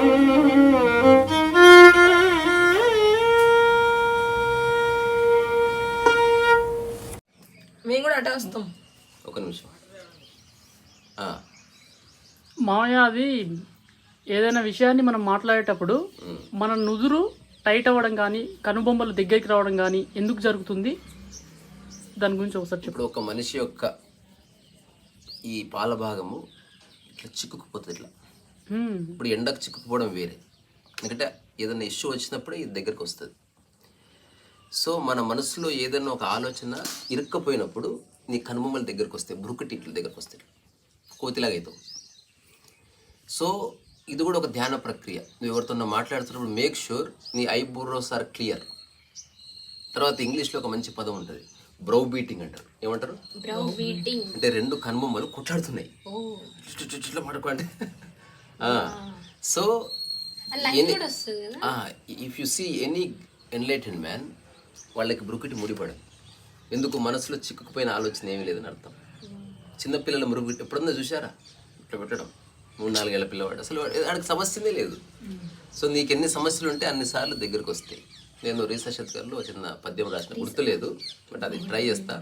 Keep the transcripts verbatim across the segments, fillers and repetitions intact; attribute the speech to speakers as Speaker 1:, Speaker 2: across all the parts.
Speaker 1: మేము కూడా అటే వస్తాం.
Speaker 2: ఒక నిమిషం.
Speaker 3: మామయ్య, అది ఏదైనా విషయాన్ని మనం మాట్లాడేటప్పుడు మన నుదురు టైట్ అవ్వడం కానీ కనుబొమ్మలు దగ్గరికి రావడం కానీ ఎందుకు జరుగుతుంది? దాని గురించి ఒకసారి చెప్పు.
Speaker 2: ఇప్పుడు ఒక మనిషి యొక్క ఈ పాల భాగము ఇట్లా చిక్కుకుపోతుంది ఇట్లా. ఇప్పుడు ఎండకు చిక్కుకుపోవడం వేరే, ఎందుకంటే ఏదైనా ఇష్యూ వచ్చినప్పుడు ఇది దగ్గరికి వస్తుంది. సో మన మనసులో ఏదైనా ఒక ఆలోచన ఇరుక్కపోయినప్పుడు నీ కనుబొమ్మల దగ్గరకు వస్తాయి, బ్రుకుటి ఇట్ల దగ్గరకు వస్తాయి, కోతిలాగా అవుతావు. సో ఇది కూడా ఒక ధ్యాన ప్రక్రియ. నువ్వు ఎవరితో మాట్లాడుతున్నప్పుడు మేక్ షూర్ నీ ఐబ్రోస్ ఆర్ క్లియర్. తర్వాత ఇంగ్లీష్లో ఒక మంచి పదం ఉంటుంది, బ్రౌ బీటింగ్ అంటారు. ఏమంటారు? అంటే రెండు కనుబొమ్మలు కొట్లాడుతున్నాయి ఇట్లా పడుకోండి. So if you see any enlightened man, వాళ్ళకి బ్రుకుటి ముడిపడదు. ఎందుకు? మనసులో చిక్కుకుపోయిన ఆలోచన ఏమీ లేదని అర్థం. చిన్నపిల్లల మురుగు ఎప్పుడన్నా చూసారా ఇట్లా పెట్టడం? మూడు నాలుగేళ్ల పిల్లవాడు అసలు వాడికి సమస్యనే లేదు. సో నీకు ఎన్ని సమస్యలు ఉంటే అన్నిసార్లు దగ్గరకు వస్తాయి. నేను రీసా శతకంలో చిన్న పద్యం రాసిన, గుర్తులేదు, బట్ అది ట్రై చేస్తా.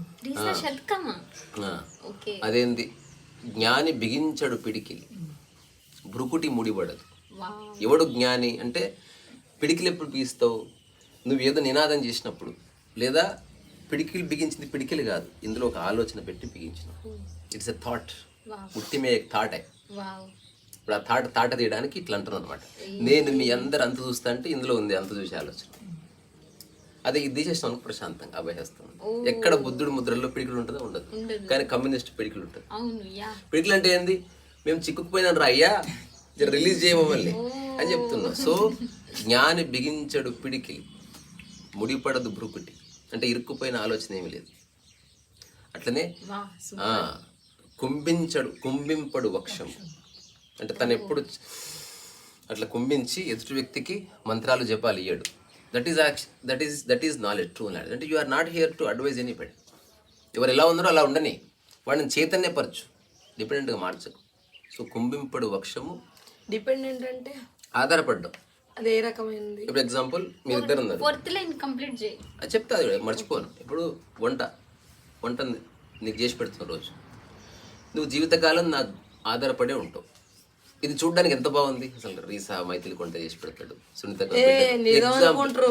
Speaker 2: అదేంది? జ్ఞాని బిగించడు పిడికిలి, బ్రుకుటి ముడిపడదు. ఎవడు జ్ఞాని అంటే పిడికిలు ఎప్పుడు బిగిస్తావు? నువ్వు ఏదో నినాదం చేసినప్పుడు, లేదా పిడికిలు బిగించింది పిడికిలు కాదు, ఇందులో ఒక ఆలోచన పెట్టి బిగించినావు. ఇట్స్ ఎ థాట్, ఉట్టిమే థాట్. ఇప్పుడు ఆ థాట్ తాట తీయడానికి ఇట్లా అంటున్నాను అనమాట. నేను మీ అందరు అంత చూస్తా అంటే ఇందులో ఉంది అంత చూసే ఆలోచన. అదే ఇది తీసేసిన ప్రశాంతంగా అభయహస్తం. ఎక్కడ బుద్ధుడు ముద్రల్లో పిడికిలు ఉంటుందో ఉండదు, కానీ కమ్యూనిస్ట్ పిడికిలు ఉంటుంది. పిడికిలు అంటే ఏంది? మేము చిక్కుకుపోయినా రా అయ్యా, రిలీజ్ చేయమల్ని అని చెప్తున్నాం. సో జ్ఞాని బిగించడు పిడికిలి, ముడిపడదు బ్రుకుటి, అంటే ఇరుక్కుపోయిన ఆలోచన ఏమి లేదు. అట్లనే కుంభించడు కుంభింపడు వక్షం, అంటే తను ఎప్పుడు అట్లా కుంభించి ఎదుటి వ్యక్తికి మంత్రాలు జపాలు ఇయ్యడు. That is that is that is knowledge, true knowledge. అంటే you are not here to advise anybody. ఎవరు ఎలా ఉన్నారో అలా ఉండని, వాడిని చైతన్యపరచు, డిపెండెంట్గా మార్చకు. సో కుంభింపడు వక్షము,
Speaker 1: డిపెండెంట్ అంటే
Speaker 2: ఆధారపడ్డం.
Speaker 1: అదే రకమైనది.
Speaker 2: ఇప్పుడు ఎగ్జాంపుల్ మీరు ఇద్దరు ఉన్నారు, అది చెప్తా, అది మర్చిపోను. ఇప్పుడు వంట వంట నీకు చేసి పెడుతున్న రోజు నువ్వు జీవితకాలం నాకు ఆధారపడే ఉంటావు. ఇది చూడడానికి ఎంత బాగుంది అసలు. రీసా మైథిలి కొంట చేసి పెడతాడు, సునీత ఎగ్జాంపుల్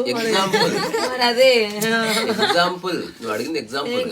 Speaker 2: ఎగ్జాంపుల్ నువ్వు అడిగింది ఎగ్జాంపుల్,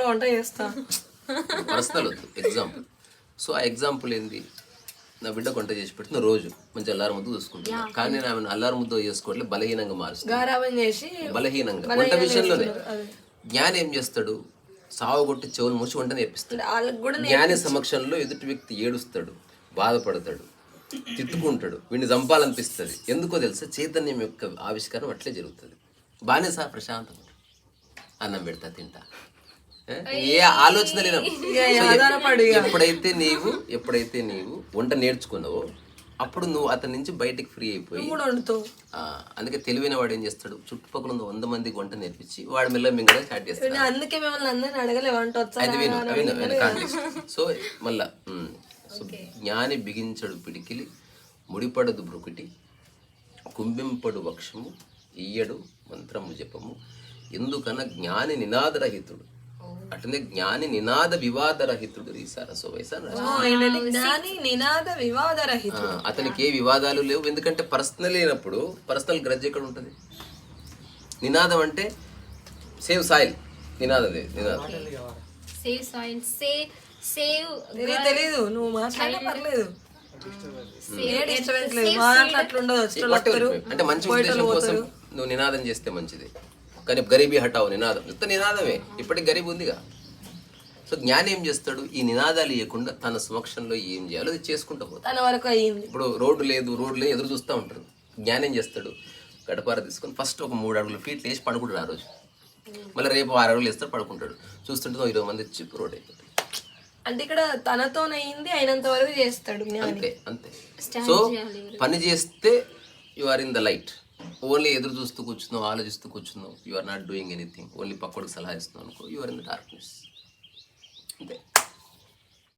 Speaker 2: పర్సనల్ వద్దు, ఎగ్జాంపుల్. సో ఆ ఎగ్జాంపుల్ ఏంది? నా బిడ్డ కొంట చేసి పెడుతున్న రోజు మంచి అల్లారు ముద్ద చూసుకుంటున్నా, కానీ నేను ఆమెను అల్లారు ముద్ద చేసుకోవట్లేదు, బలహీనంగా మారుస్తాను. బలహీనంగా వంట విషయంలోనే. జ్ఞాని ఏం చేస్తాడు? సావుగొట్టి చెవులు మూసి వంట నేర్పిస్తాడు. జ్ఞాని సమక్షంలో ఎదుటి వ్యక్తి ఏడుస్తాడు, బాధపడతాడు, తిట్టుకుంటాడు, వీడిని చంపాలనిపిస్తుంది. ఎందుకో తెలుసా? చైతన్యం యొక్క ఆవిష్కారం అట్లే జరుగుతుంది. బాగానే సా ప్రశాంతం, అన్నం పెడతా తింటా, ఏ ఆలోచన లేదు. ఎప్పుడైతే నీవు ఎప్పుడైతే నీవు వంట నేర్చుకున్నావో అప్పుడు నువ్వు అతని నుంచి బయటికి ఫ్రీ అయిపోయి, అందుకే తెలివైన వాడు ఏం చేస్తాడు? చుట్టుపక్కల ఉన్న వంద మందికి వంట నేర్పించి వాడు మెల్ల మింగడం స్టార్ట్ చేస్తాడు.
Speaker 1: అందుకే మిమ్మల్ని అందరిని అడగలే వంట
Speaker 2: అది విను విను. సో మళ్ళా సో జ్ఞాని బిగించడు పిడికిలి, ముడిపడదు బ్రుకుటి, కుంభింపడు వక్షము, ఇయ్యడు మంత్రము జపము, ఎందుకన జ్ఞాని నినాదరహితుడు. అట్లనే జ్ఞాని నినాద వివాద రహితుడు. అతనికి ఏ వివాదాలు లేవు, ఎందుకంటే పర్సనల్ లేనప్పుడు పర్సనల్ గ్రడ్జ్ ఎక్కడ ఉంటుంది? నినాదం అంటే సేవ్ సాయిల్, నినాదం నినాదం
Speaker 1: తెలీదు. నువ్వు మాట్లాడే పర్లేదు,
Speaker 2: అంటే మంచి ఉద్దేశం కోసం నువ్వు నినాదం చేస్తే మంచిది, కానీ గరీబీ హటావు నినాదం ఎంత నినాదమే, ఇప్పటికి గరీబ్ ఉందిగా. సో జ్ఞాని ఏం చేస్తాడు? ఈ నినాదాలు ఇవ్వకుండా తన సమక్షంలో ఏం చేయాలో అది చేసుకుంటూ పోతాడు. ఇప్పుడు రోడ్డు లేదు రోడ్డు లేదు ఎదురు చూస్తూ ఉంటారు. జ్ఞాని ఏం చేస్తాడు? గడపార తీసుకొని ఫస్ట్ ఒక మూడు అడుగులు ఫీట్లు వేసి పడుకుంటాడు ఆ రోజు, మళ్ళీ రేపు ఆరు అడుగులు వేస్తాడు పడుకుంటాడు. చూస్తుంటే ఇరవై మంది వచ్చి రోడ్ అయిపోతాడు.
Speaker 1: అంటే ఇక్కడ తనతోనైంది అయినంత వరకు చేస్తాడు.
Speaker 2: అంతే అంతే. సో పని చేస్తే you are in the light. Only ఎదురు చూస్తూ కూర్చున్నావు, ఆలోచిస్తూ కూర్చున్నావు, you are not doing anything, only పక్కడికి సలహా ఇస్తున్నావు అనుకో, you are in the darkness. అంతే.